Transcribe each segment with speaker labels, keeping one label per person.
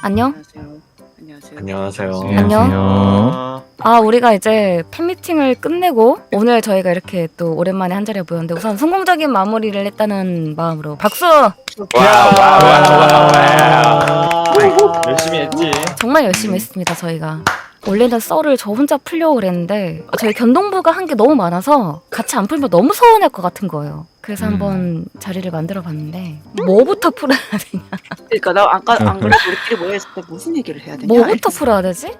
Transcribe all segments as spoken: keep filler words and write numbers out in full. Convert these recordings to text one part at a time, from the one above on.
Speaker 1: 안녕?
Speaker 2: 안녕하세요.
Speaker 3: 안녕하세요.
Speaker 1: 안녕. 아, 우리가 이제 팬미팅을 끝내고 오늘 저희가 이렇게 또 오랜만에 한 자리에 모였는데 우선 성공적인 마무리를 했다는 마음으로 박수!
Speaker 3: 열심히 했지.
Speaker 1: 정말 열심히 했습니다, 저희가. 원래는 썰을 저 혼자 풀려고 그랬는데 저희 견동부가 한 게 너무 많아서 같이 안 풀면 너무 서운할 것 같은 거예요. 그래서
Speaker 4: 음.
Speaker 1: 한번 자리를 만들어 봤는데 뭐부터 풀어야 되냐?
Speaker 2: 그러니까 나 아까 안 그래도 우리끼리 모여있을 때 무슨 얘기를 해야 되냐?
Speaker 1: 뭐부터 풀어야 되지?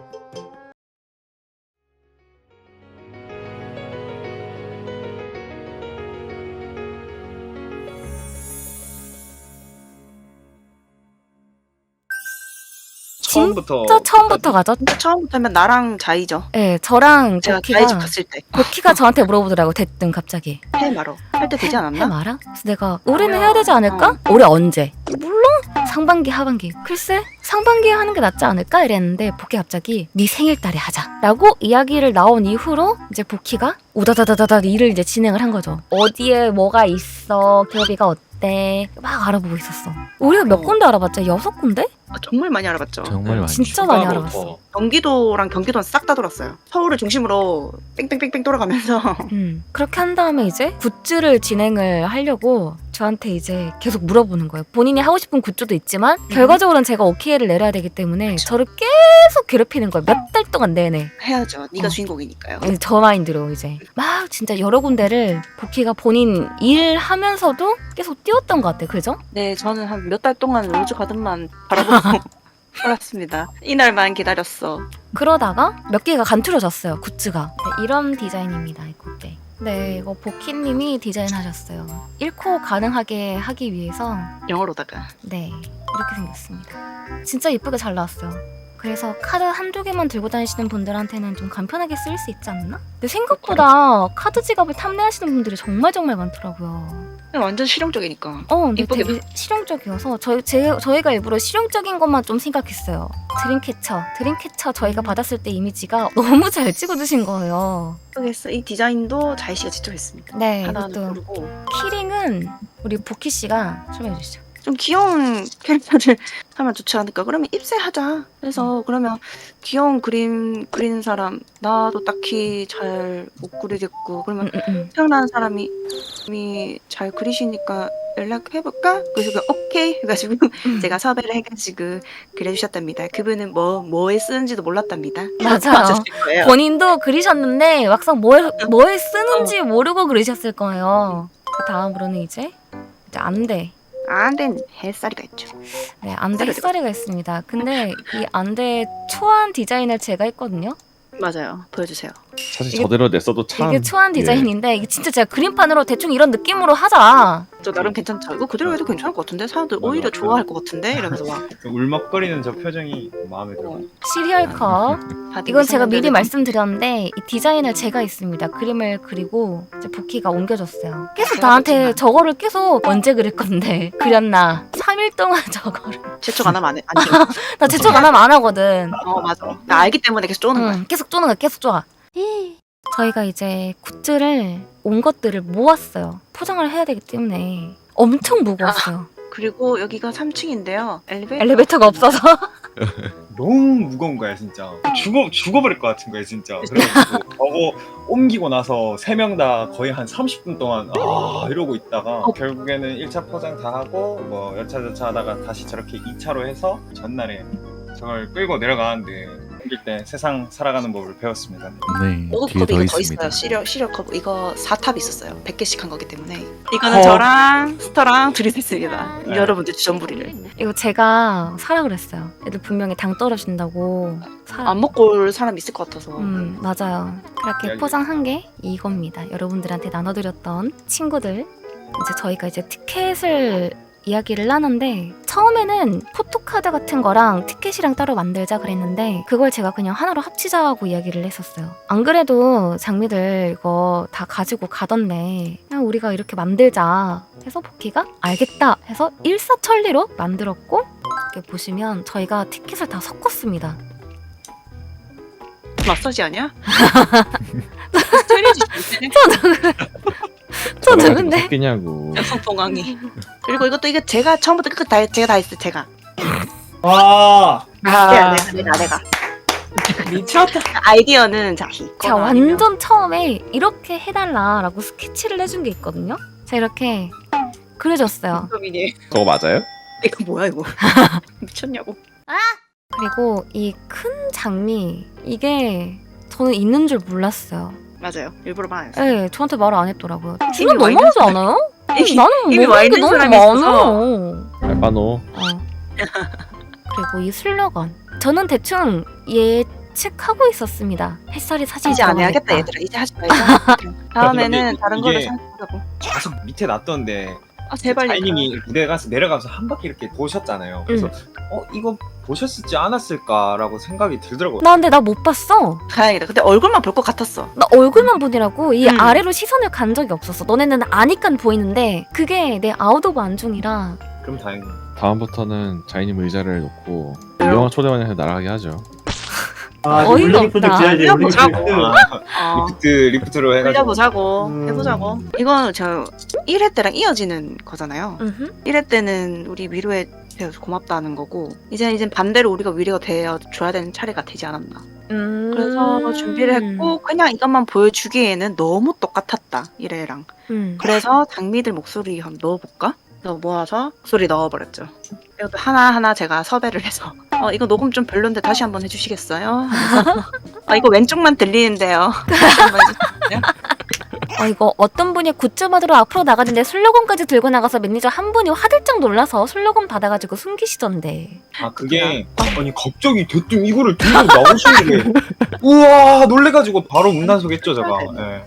Speaker 3: 처음부터
Speaker 1: 진짜 처음부터 가죠?
Speaker 2: 진짜 처음부터 하면 나랑 자이죠.
Speaker 1: 네, 저랑
Speaker 2: 제가
Speaker 1: 도키가
Speaker 2: 자이 집 갔을 때.
Speaker 1: 도키가 저한테 물어보더라고. 대뜸 갑자기
Speaker 2: 해 말어. 할 때 되지
Speaker 1: 해
Speaker 2: 않았나?
Speaker 1: 말아? 그래서 내가 올해는 해야 되지 않을까? 올해 언제? 물론 상반기 하반기 글쎄 상반기에 하는 게 낫지 않을까? 이랬는데 보키 갑자기 네 생일달에 하자 라고 이야기를 나온 이후로 이제 보키가 우다다다다다 일을 이제 진행을 한 거죠. 어디에 뭐가 있어, 기업이가 어때 막 알아보고 있었어. 우리가 몇
Speaker 2: 어.
Speaker 1: 군데 알아봤자? 여섯 군데?
Speaker 2: 아, 정말 많이 알아봤죠.
Speaker 4: 정말 많죠.
Speaker 1: 진짜 많이 알아봤어.
Speaker 2: 경기도랑 경기도는 싹 다 돌았어요. 서울을 중심으로 뺑뺑뺑뺑 돌아가면서
Speaker 1: 음, 그렇게 한 다음에 이제 굿즈를 진행을 하려고 저한테 이제 계속 물어보는 거예요. 본인이 하고 싶은 굿즈도 있지만 결과적으로는 제가 오케이를 내려야 되기 때문에
Speaker 2: 그쵸.
Speaker 1: 저를 계속 괴롭히는 거예요. 몇 달 동안 내내.
Speaker 2: 해야죠. 네가
Speaker 1: 어.
Speaker 2: 주인공이니까요.
Speaker 1: 네, 저 마인드로 이제 막 진짜 여러 군데를 보키가 본인 일하면서도 계속 띄웠던 것 같아요. 그죠?
Speaker 2: 네, 저는 한 몇 달 동안 로즈 가든만 바라보고 살았습니다. 이날만 기다렸어.
Speaker 1: 그러다가 몇 개가 간투려졌어요. 굿즈가. 네, 이런 디자인입니다. 이 꽃대. 네, 이거 보키님이 디자인하셨어요. 잃고 가능하게 하기 위해서
Speaker 2: 영어로다가.
Speaker 1: 네, 이렇게 생겼습니다. 진짜 예쁘게 잘 나왔어요. 그래서 카드 한두 개만 들고 다니시는 분들한테는 좀 간편하게 쓸 수 있지 않나? 근데 생각보다 카드 지갑을 탐내하시는 분들이 정말 정말 많더라고요.
Speaker 2: 완전 실용적이니까.
Speaker 1: 어, 근데
Speaker 2: 이쁘게
Speaker 1: 되게 실용적이어서 저희, 제, 저희가 일부러 실용적인 것만 좀 생각했어요. 드림캐쳐. 드림캐쳐 저희가 받았을 때 이미지가 너무 잘 찍어주신 거예요.
Speaker 2: 모르겠어. 이 디자인도 자이 씨가 직접 했습니다.
Speaker 1: 네,
Speaker 2: 하나하나
Speaker 1: 이것도
Speaker 2: 고르고.
Speaker 1: 키링은 우리 보키 씨가 설명해 주시죠.
Speaker 2: 좀 귀여운 캐릭터를 하면 좋지 않을까? 그러면 입세하자. 그래서 그러면 귀여운 그림 그리는 사람 나도 딱히 잘 못 그리겠고 그러면
Speaker 1: 음, 음, 음.
Speaker 2: 태어난 사람이 이미 잘 그리시니까 연락해볼까? 그래서 그 오케이 해가지고
Speaker 1: 음.
Speaker 2: 제가 섭외를 해가지고 그려주셨답니다. 그분은 뭐 뭐에 쓰는지도 몰랐답니다.
Speaker 1: 맞아요.
Speaker 2: 맞으실 거예요.
Speaker 1: 본인도 그리셨는데 막상 뭐에, 뭐에 쓰는지 모르고 그리셨을 거예요. 그 다음으로는 이제 이제 안대.
Speaker 2: 안된 햇살이가 있죠.
Speaker 1: 네, 안대
Speaker 2: 햇살이
Speaker 1: 햇살이가 있습니다. 근데 이 안대 초안 디자인을 제가 했거든요.
Speaker 2: 맞아요. 보여주세요.
Speaker 4: 사실
Speaker 1: 이게-
Speaker 4: 저대로 냈어도 참
Speaker 1: 이게 초안
Speaker 4: 예.
Speaker 1: 디자인인데 이게 진짜 제가 그림판으로 대충 이런 느낌으로 하자.
Speaker 2: 저 나름 괜찮다. 이거 그대로 해도 괜찮을 것 같은데 사람들
Speaker 3: 맞아.
Speaker 2: 오히려 좋아할 것 같은데 이러면서 막
Speaker 3: 울먹거리는 저 표정이 마음에 들어.
Speaker 1: 시리얼 컵.
Speaker 2: 다들
Speaker 1: 이건 제가 미리
Speaker 2: 이상한데도
Speaker 1: 말씀드렸는데 이 디자인을 제가 했습니다. 그림을 그리고 이제 보키가 옮겨줬어요. 계속
Speaker 2: 제가
Speaker 1: 나한테
Speaker 2: 그렸지만.
Speaker 1: 저거를 계속 언제 그릴 건데 그렸나? 삼 일 동안 저거를
Speaker 2: 재촉 안 하면 안 해. 안 돼.
Speaker 1: 나 제척 안 하면 안 하거든.
Speaker 2: 어 맞아. 나 알기 때문에 계속 쪼는 거야.
Speaker 1: 응, 계속 쪼는 거야. 계속 쪼아. 저희가 이제 굿즈를 온 것들을 모았어요. 포장을 해야 되기 때문에 엄청 무거웠어요.
Speaker 2: 그리고 여기가 삼 층인데요. 엘리베이터.
Speaker 1: 엘리베이터가 없어서.
Speaker 3: 너무 무거운 거야 진짜. 죽어 죽어버릴 것 같은 거야 진짜. 그래가지고 저거 옮기고 나서 세 명 다 거의 한 삼십 분 동안 아 이러고 있다가 결국에는 일 차 포장 다 하고 뭐 여차 저차 하다가 다시 저렇게 이 차로 해서 전날에 저걸 끌고 내려가는데 옮길 때 세상 살아가는 법을 배웠습니다.
Speaker 4: 네,
Speaker 2: 오브
Speaker 4: 뒤에
Speaker 2: 컵이
Speaker 4: 더
Speaker 2: 이거 더
Speaker 4: 있습니다.
Speaker 2: 있어요. 시리얼 시리얼 컵 이거 사 탑 있었어요. 백 개씩 한 거기 때문에. 이거는
Speaker 3: 어.
Speaker 2: 저랑 스타랑 둘이 냈습니다.
Speaker 3: 네.
Speaker 2: 여러분들 주전부리를.
Speaker 1: 이거 제가 사라 그랬어요. 애들 분명히 당 떨어진다고. 사...
Speaker 2: 안 먹고 올 사람 있을 것 같아서.
Speaker 1: 음, 맞아요. 그렇게
Speaker 3: 이야기.
Speaker 1: 포장한 게 이겁니다. 여러분들한테 나눠드렸던 친구들. 이제 저희가 이제 티켓을 이야기를 하는데 처음에는 포토카드 같은 거랑 티켓이랑 따로 만들자 그랬는데 그걸 제가 그냥 하나로 합치자고 이야기를 했었어요. 안 그래도 장미들 이거 다 가지고 가던데 그냥 우리가 이렇게 만들자 해서 보키가 알겠다 해서 일사천리로 만들었고 이렇게 보시면 저희가 티켓을 다 섞었습니다.
Speaker 2: 마사지 아니야? 스트레지
Speaker 1: 저 누군데?
Speaker 4: 섞이냐고.
Speaker 2: 여성 봉황이. 그리고 이것도 이게 제가 처음부터 끝까지 다 제가 다 했어요. 제가.
Speaker 4: 와
Speaker 2: 내가 내가 내가 내가
Speaker 4: 미쳤다.
Speaker 2: 아이디어는 자
Speaker 1: 제가
Speaker 2: 이거나 아니면
Speaker 1: 완전 처음에 이렇게 해달라라고 스케치를 해준 게 있거든요. 제가 이렇게 그려줬어요.
Speaker 2: 민이
Speaker 5: 그거 맞아요?
Speaker 2: 이거 뭐야 이거 미쳤냐고.
Speaker 1: 그리고 이 큰 장미 이게 저는 있는 줄 몰랐어요.
Speaker 2: 맞아요. 일부러 말 안 했어요.
Speaker 1: 네, 저한테 말을 안 했더라고요.
Speaker 2: 이미
Speaker 1: 지금
Speaker 2: 와 있는
Speaker 1: 너무하지
Speaker 2: 사람이-
Speaker 1: 않아요?
Speaker 2: 이미-
Speaker 1: 나는
Speaker 2: 이미 와
Speaker 1: 모르는 게
Speaker 2: 있는
Speaker 1: 너무
Speaker 2: 사람이
Speaker 1: 많아.
Speaker 2: 있어서.
Speaker 5: 알바노.
Speaker 1: 어. 그리고 이 슬로건 저는 대충 예측하고 있었습니다. 햇살이 사진
Speaker 2: 이제 안 해야겠다
Speaker 1: 들어가겠다.
Speaker 2: 얘들아. 이제 하지 말자. 다음에는
Speaker 3: 근데
Speaker 2: 다른
Speaker 3: 이게-
Speaker 2: 거를 생각하자고.
Speaker 3: 계속 밑에 놨던데
Speaker 2: 아 제발
Speaker 3: 자이님이 무대 가서 내려가면서 한 바퀴 이렇게 보셨잖아요. 그래서 어 이거 보셨을지 않았을까라고 생각이 들더라고요.
Speaker 1: 나 근데 나 못 봤어.
Speaker 2: 다행이다. 근데 얼굴만 볼 것 같았어.
Speaker 1: 나 얼굴만 보느라고 이
Speaker 2: 음.
Speaker 1: 아래로 시선을 간 적이 없었어. 너네는 아니까 보이는데 그게 내 아웃 오브 안중이라.
Speaker 3: 그럼 다행이에요.
Speaker 5: 다음부터는 자이님 의자를 놓고 유명한 초대원한테 날아가게 하죠.
Speaker 4: 아
Speaker 1: 어이가
Speaker 4: 올리기프트
Speaker 1: 없다.
Speaker 4: 줘야지
Speaker 2: 올려보자고.
Speaker 4: 올리기프트.
Speaker 3: 아,
Speaker 2: 어.
Speaker 3: 리프트 리프트로 해가지고
Speaker 2: 해보자고.
Speaker 4: 음.
Speaker 2: 해보자고. 이건 저 일 회 때랑 이어지는 거잖아요.
Speaker 1: 음흠.
Speaker 2: 일 회 때는 우리 위로해 주셔서 고맙다는 거고 이제는 이제 반대로 우리가 위로가 되어 줘야 되는 차례가 되지 않았나.
Speaker 1: 음.
Speaker 2: 그래서 준비를 했고 그냥 이것만 보여주기에는 너무 똑같았다 일 회랑.
Speaker 1: 음.
Speaker 2: 그래서 장미들 목소리 한번 넣어볼까? 그래서 모아서 목소리 넣어버렸죠. 이것도 하나하나 제가 섭외를 해서 어 이거 녹음 좀 별론데 다시 한번 해주시겠어요? 하면서 아 이거 왼쪽만 들리는데요. 다시 한번 해주시겠어요?
Speaker 1: 어, 이거 어떤 분이 굿즈 받으러 앞으로 나가는데 슬로건까지 들고 나가서 매니저 한 분이 화들짝 놀라서 슬로건 받아가지고 숨기시던데.
Speaker 3: 아 그게 아니 갑자기 대뜸 이거를 들고 나오시는 게 우와 놀래가지고 바로 문단속했죠 제가. 예.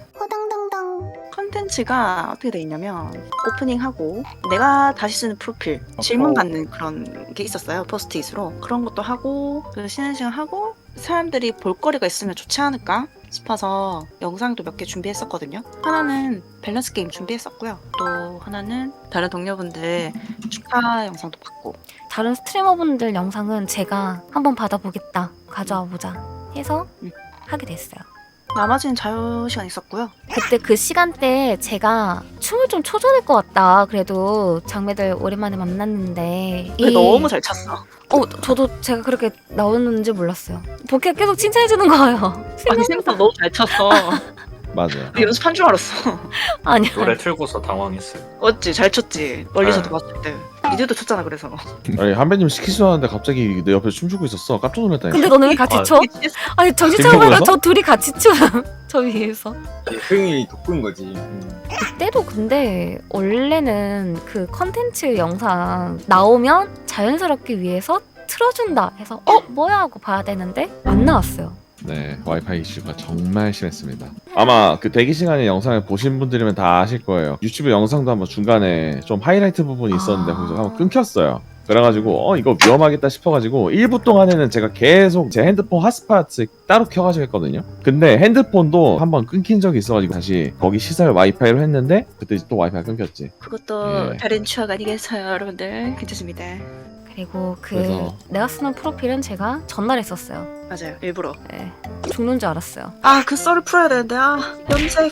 Speaker 2: 컨텐츠가 어떻게 돼 있냐면 오프닝하고 내가 다시 쓰는 프로필 질문 받는 그런 게 있었어요. 포스트잇으로 그런 것도 하고 그 쉬는 시간 하고 사람들이 볼거리가 있으면 좋지 않을까 싶어서 영상도 몇 개 준비했었거든요. 하나는 밸런스 게임 준비했었고요. 또 하나는 다른 동료분들 축하 영상도 받고
Speaker 1: 다른 스트리머분들 영상은 제가 한번 받아보겠다. 가져와 보자 해서
Speaker 2: 음.
Speaker 1: 하게 됐어요.
Speaker 2: 나머지는 자유 시간 있었고요.
Speaker 1: 그때 그 시간대에 제가 춤을 좀 초전할 것 같다. 그래도 장매들 오랜만에 만났는데
Speaker 2: 근데
Speaker 1: 이-
Speaker 2: 너무 잘 찼어.
Speaker 1: 어 저도 제가 그렇게 나오는지 몰랐어요. 복희가 계속 칭찬해주는 거예요.
Speaker 2: 아니 생각보다 너무 잘 찼어.
Speaker 5: 맞아요.
Speaker 2: 연습한 줄 알았어.
Speaker 1: 아니야.
Speaker 6: 노래 틀고서 당황했어요.
Speaker 2: 어찌 잘 췄지. 멀리서도
Speaker 6: 네.
Speaker 2: 봤을 때. 니들도 췄잖아 그래서.
Speaker 5: 아니 한배님 시키지도 않았는데 갑자기 내 옆에 춤추고 있었어. 깜짝 놀랐다니까.
Speaker 1: 근데 너는 왜 같이
Speaker 6: 아,
Speaker 1: 춰? 아니 정신 차려보니까
Speaker 5: 김포에서?
Speaker 1: 저 둘이 같이 춤. 저 위에서.
Speaker 3: 흥이 돋군 거지. 음.
Speaker 1: 그때도 근데 원래는 그 컨텐츠 영상 나오면 자연스럽게 위에서 틀어준다 해서 어 뭐야 하고 봐야 되는데 안 나왔어요.
Speaker 5: 네, 와이파이 이슈가 정말 심했습니다. 아마 그 대기 시간에 영상을 보신 분들이면 다 아실 거예요. 유튜브 영상도 한번 중간에 좀 하이라이트 부분이 있었는데
Speaker 1: 아.
Speaker 5: 거기서 한번 끊겼어요. 그래가지고 어 이거 위험하겠다 싶어가지고 일 부 동안에는 제가 계속 제 핸드폰 핫스팟 따로 켜가지고 했거든요. 근데 핸드폰도 한번 끊긴 적이 있어가지고 다시 거기 시설 와이파이로 했는데 그때 또 와이파이가 끊겼지.
Speaker 2: 그것도
Speaker 5: 예.
Speaker 2: 다른 추억 아니겠어요 여러분들. 괜찮습니다.
Speaker 1: 그리고 그
Speaker 5: 그래서-
Speaker 1: 내가 쓰는 프로필은 제가 전날 했었어요.
Speaker 2: 맞아요. 일부러.
Speaker 1: 네. 죽는 줄 알았어요.
Speaker 2: 아 그 썰을 풀어야 되는데 아 염색.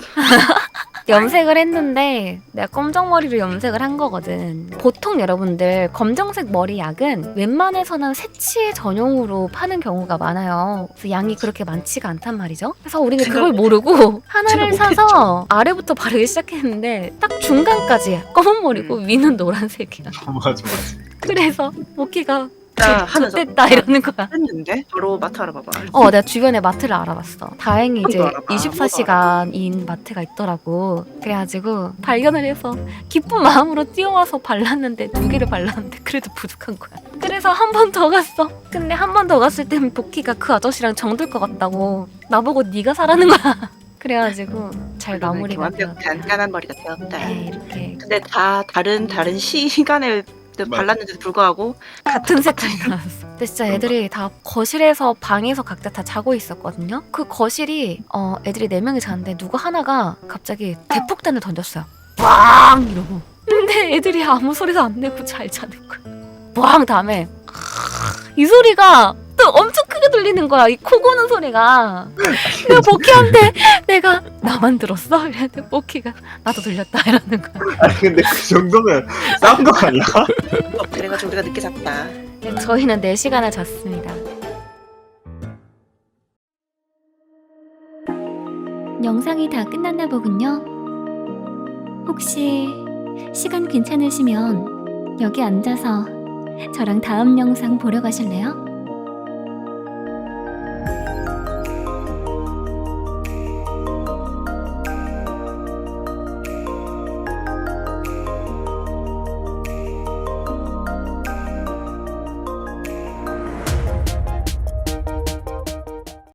Speaker 1: 염색을 했는데 내가 검정 머리로 염색을 한 거거든. 보통 여러분들 검정색 머리 약은 웬만해서는 새치 전용으로 파는 경우가 많아요. 그래서 양이 그렇게 많지가 않단 말이죠. 그래서 우리는
Speaker 2: 제가
Speaker 1: 그걸
Speaker 2: 못-
Speaker 1: 모르고 하나를
Speaker 2: 제가
Speaker 1: 사서 아래부터 바르기 시작했는데 딱 중간까지 검은 머리고
Speaker 2: 음.
Speaker 1: 위는 노란색이야.
Speaker 3: 맞아 맞아.
Speaker 1: 그래서 모키가
Speaker 2: 자 하면서
Speaker 1: 좋됐다 이러는 거야.
Speaker 2: 했는데 바로 마트 알아봐봐.
Speaker 1: 어, 내가 주변에 마트를 알아봤어. 다행히 이제
Speaker 2: 아무도 알아봐.
Speaker 1: 이십사 시간인 마트가 있더라고. 그래가지고 발견을 해서 기쁜 마음으로 뛰어와서 발랐는데 두 개를 발랐는데 그래도 부족한 거야. 그래서 한 번 더 갔어. 근데 한 번 더 갔을 땐 복희가 그 아저씨랑 정들 것 같다고 나보고 네가 사라는 거야. 그래가지고 잘 마무리가
Speaker 2: 완벽
Speaker 1: 되었다.
Speaker 2: 간단한 머리가 되었다.
Speaker 1: 네, 이렇게
Speaker 2: 근데 다 다른 다른 시간을 발랐는데도 불구하고
Speaker 1: 같은 색깔이 나왔어. 근데 진짜 애들이 다 거실에서 방에서 각자 다 자고 있었거든요. 그 거실이 어 애들이 네 명이 자는데 누구 하나가 갑자기 대폭탄을 던졌어요. 빵 이러고. 근데 애들이 아무 소리도 안 내고 잘 자는 거야. 빵 다음에 이 소리가 또 엄청 크게 들리는 거야. 이 코 고는 소리가. 내가 복희한테 내가 나만 들었어? 이랬는데 복희가 나도 들렸다 이러는 거야.
Speaker 3: 아니 근데 그 정도면 싸운 거 아니야?
Speaker 2: 어, 그래가지고 우리가 늦게 잤다.
Speaker 1: 네, 저희는 네 시간을 잤습니다. 영상이 다 끝났나 보군요. 혹시 시간 괜찮으시면 여기 앉아서 저랑 다음 영상 보러 가실래요?